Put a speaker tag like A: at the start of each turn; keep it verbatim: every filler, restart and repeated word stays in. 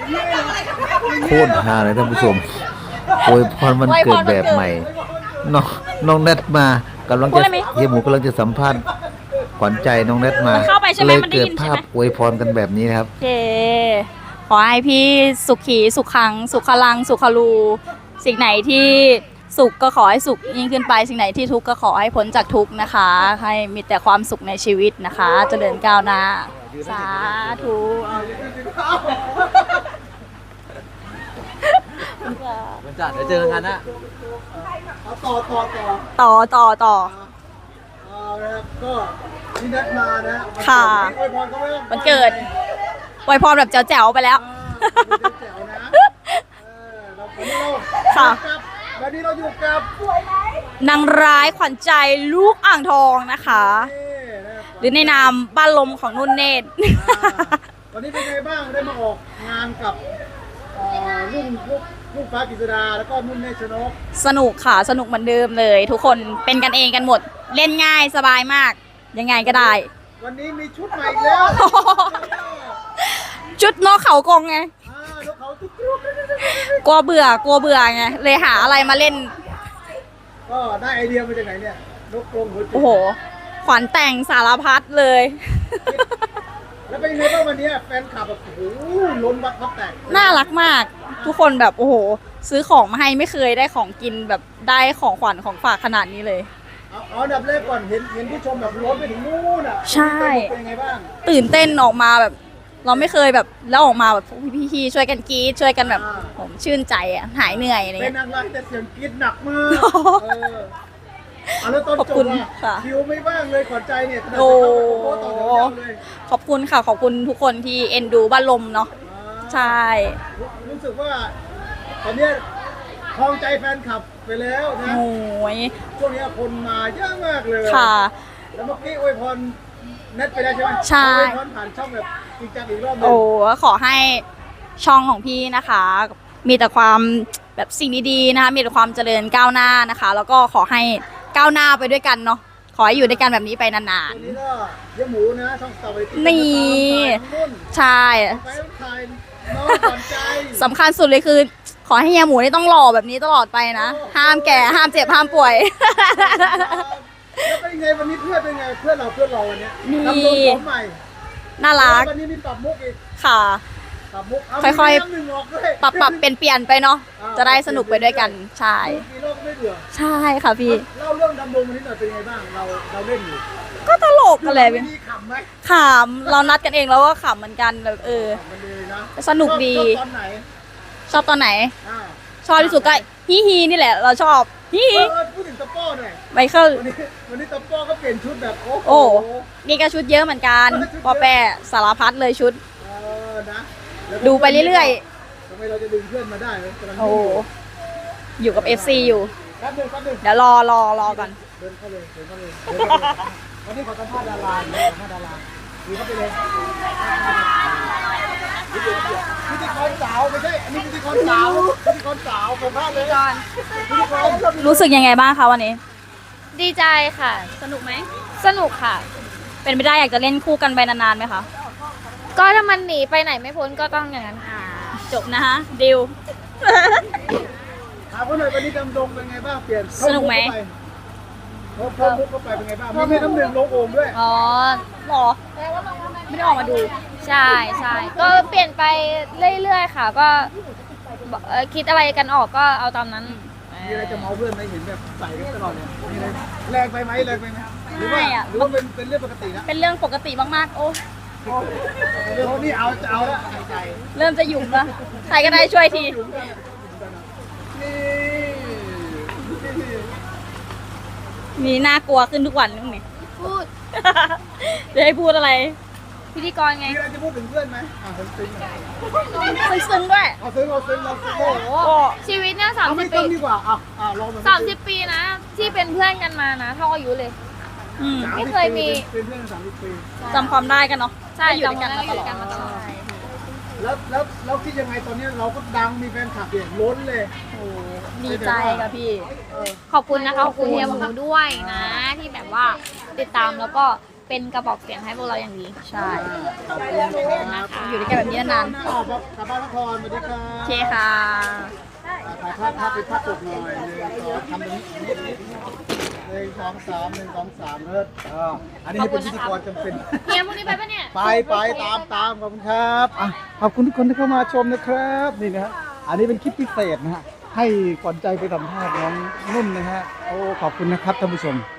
A: โคตรฮาเลยท่านผู้ชมอวยพรวันเกิดแบบใหม่น้องน้องเน็ตมากำลังจะเฮียหมูกำลังจะสัมภาษณ์ขวัญใจน้องเน็ตมาเลยเกิดภาพอวยพรกันแบบนี้นะครับ
B: โอเคขอให้พี่สุขีสุขขังสุขลังสุขลูสิ่งไหนที่สุขก็ขอให้สุขยิ่งขึ้นไปสิ่งไหนที่ทุกข์ก็ขอให้พ้นจากทุกข์นะคะให้มีแต่ความสุขในชีวิตนะคะเจริญก้าวหน้าสาธุ
A: วันจันทร์เดี๋ยวเจอกันนะ
C: ต่อต่อต่อ
B: ต่อต่อต่อ
C: เอาละครับก็ที่นัดมานะ
B: ค่ะ
C: อวยพรเขาไว้
B: วันเกิดอวยพรแบบแจ๋วๆไปแล้ว
C: แจ๋วนะเราวันนี้เรา
B: ค่ะ
C: วันนี้เราอยู่กับ
B: นางร้ายขวัญใจลูกอ่างทองนะคะหรือในนามบ้านลมของนุ่นเนตร
C: วันนี้เป็นไงบ้างได้มาออกงานกับรุ่นลูกลูกฟ้ากฤษดาแล้วก็นุ่นเนตรชนก
B: สนุกค่ะสนุกเหมือนเดิมเลย ทุกคนเป็นกันเองกันหมดเล่นง่ายสบายมากยังไงก็ได้
C: วันนี้มีชุดใหม่แล้ว
B: ชุดนกเขากงไงกลัวเบื่อกลัวเบื่อไงเลยหาอะไรมาเล่น
C: ก็ได้ไอเดียมาจากไหนเนี่ยนกกรงหัวจุก
B: โอ้โหขวัญแต่งสารพัดเลย
C: แล้วเป็นไงบ้างวันนี้แฟนคลับแบบโอ้โหล้นวัดพับแตก
B: น่ารักมากทุกคนแบบโอ้โหซื้อของมาให้ไม่เคยได้ของกินแบบได้ของขวัญของฝากขนาดนี้เลย
C: เอาเอาดับแรกก่อนเห็นเห็นผู้ชมแบบล้นไปถึงนู่นอ่ะ
B: ใช่
C: เป็นไงบ้าง
B: ตื่นเต้นออกมาแบบเราไม่เคยแบบแล้วออกมาแบบพี่ๆช่วยกันกรี๊ดช่วยกันแบบผมชื่นใจอ่ะหายเหนื่อยอะไรเงี้ย
C: เป็นนางร้ายแต่เสียงกรี๊ดหนักมากเอาแล้วตอนจบอ่ะคิวไม่บ้างเลยขวัญใจเนี่ย
B: โอ้ขอบคุณค่ะขอบคุณทุกคนที่เอ็นดูบ้านลมเนาะใช่
C: รู้สึกว่าตอนนี้คลองใจแฟนคลับไปแล้วนะ
B: โอ้ย
C: ช่วงนี้คนมาเยอะมากเลย
B: ค่ะ
C: แล้วเมื่อกี้อวยพรเน็ตไปได้ใช่ไหม
B: ใช่
C: อวยพรผ่านช่องแบบจริงจังอีกรอบนึง
B: โอ้ขอให้ช่องของพี่นะคะมีแต่ความแบบสิ่งดีๆนะคะมีแต่ความเจริญก้าวหน้านะคะแล้วก็ขอให้ก้าวหน้าไปด้วยกันเนาะขอให้อยู่ด้วยกันแบบนี้ไปนานๆ
C: วันนี้ก็เยี่ยมหมูนะช่องสตาร์บัค
B: นี่ใช่สำคัญสุดเลยคือขอให้เฮียหมูนี่ต้องหล่อแบบนี้ตลอดไปนะห้ามแก่ห้ามเจ็บห้ามป่วย
C: แล้วเป็นไงวันนี้เพื่อนเป็นไงเพื่อนเราเพื่อนเราวันนี้ทำตัวผมใหม่
B: น่ารัก
C: วันนี้มีปรับมุกอีก
B: ค่ะ
C: ปรับมุก
B: ค่อยๆปรับปรับเปลี่ยนเปลี่ยนไปเนาะจะได้สนุกไปด้วยกันใช่ใช่ค่ะพี่
C: เล่าเรื่องดำดงวันนี้หน่อยเป็นไงบ้างเราเราเล่นอยู่
B: ก็ตลกกันเลย
C: มีขำไหม
B: ขำเรานัดกันเองแล้วก็ขำเหมือนกันแบบเออสนุกดี
C: ชอบตอนไหน
B: ชอบตอนไหนชอบที่สุดก็ฮีฮีนี่แหละเราชอบฮีฮี
C: พูดถึงตะป้อหน่อย
B: ไมเคิล
C: วันนี้วันนี้ตะป้อก็เปลี่ยนชุดแบบ
B: โอ้นี่ก็ชุดเยอะเหมือนกันปอแปะสารพัดเลยชุดดูไปเรื่อย
C: ๆทำไมเราจะดึงเพื่อนมาได้
B: โอ้อยู่กับ เอฟ ซี อยู่เดี๋ยวรอรอรอก่อน
C: เดินเข้าเลยเดินเข้าเลยวันนี้ขอสัมภาษณ์ดาราสัมภาษณ์ดาราดูเข้าไปเลยพิธีกรสาวไม่ใช่อันนี้พิธีกรสาวพิธีกรสาวสัมภาษณ์เลยพิธีกร
B: รู้สึกยังไงบ้างคะวันนี้
D: ดีใจค่ะ
B: สนุกไหม
D: สนุกค่ะ
B: เป็นไปได้อยากจะเล่นคู่กันไปนานๆไหมคะ
D: ก็ถ้ามันหนีไปไหนไม่พ้นก็ต้องอย่างนั้น
B: จบนะคะดิว
C: ถามว่าหน่อยวันนี้ดำดงเป็นไงบ้างเปลี่ยน
B: สนุกไหม
C: เพิ่มมุกเข้าไปเป็นไงบ้างมีน้ำหนึ่งลงโอ่งด้วย
B: อ๋อหรอไม่ได้ออกมาดู
D: ใช่ใช่ก็เปลี่ยนไปเรื่อยๆค่ะก็คิดอะไรกันออกก็เอาตามนั้น
C: มีอะไรจะเมาเพื่อนไหมเห็นแบบใส่กันตลอดเลยมีอะไรแรงไปไหมแรงไปไหมหรือว่าหรือว่าเป็นเป็นเรื่องปกตินะ
B: เป็นเรื่องปกติมากๆโอ้
C: เรื่องนี้เอาจะเอาแล้วใจ
B: เริ่มจะหยุ่มแล้วใครก็ได้ช่วยทีมีน่ากลัวขึ้นทุกวันนึงนี่
D: พูด
B: จะให้พูดอะไร
D: พิธีกรไง
C: มีอะไรจะพูดถึงเพื่อนไหมอ่าซึ้งซึ้ง
B: ซึ้งด้วย
C: เอาซึ้งเอาซึ้งเราซึ้งโอ้โห
D: ชีวิตเนี่ยสามสิบปี
C: ดีกว่าอ่ะอ่าลอง
D: สามสิบปีนะที่เป็นเพื่อนกันมานะเท่าอายุเลยไม่เคยมี
C: เป็นเพื่อนสามสิบปี
B: จำความได้กันเนาะ
D: ใช่จำกันมาตลอด
C: แล้วแล้วแล้วคิดยังไงตอนนี้เราก็ดังมีแฟนคลับเนี่ยล้นเลย
B: โอ้ดีใจค่ะพี่
D: ขอบคุณนะคะขอบคุณเฮียหมูด้วยนะที่แบบว่าติดตามแล้วก็เป็นกระบอกเสียงให้พวกเราอย่างดี
B: ใช่
C: ขอบคุณครับ
B: อยู่ด้วยกันแบบนี้นาน
C: ๆกลับบ้านนครสวัสดีครั
B: ๆ
C: บ
B: โอเคค่ะ
C: ถ่ายภาพภาพเป็นภาพปกหน่อยหนึ่งสองทำเป็นนิดนิดหนึ่งสองสามหนึ่งสองสามเลิศอ่าอันนี้ให้เป็นพิธีกรจำเป็น
D: เฮียพรุ่งนี้ไปปะเนี่ย
C: ไปไปตามตามขอบคุณครับอ่ะขอบคุณทุกคนที่เข้ามาชมนะครับนี่นะฮะอันนี้เป็นคลิปพิเศษนะฮะให้ขวัญใจไปสัมภาษณ์น้องนุ่นนะฮะโอ้ขอบคุณนะครับท่านผู้ชม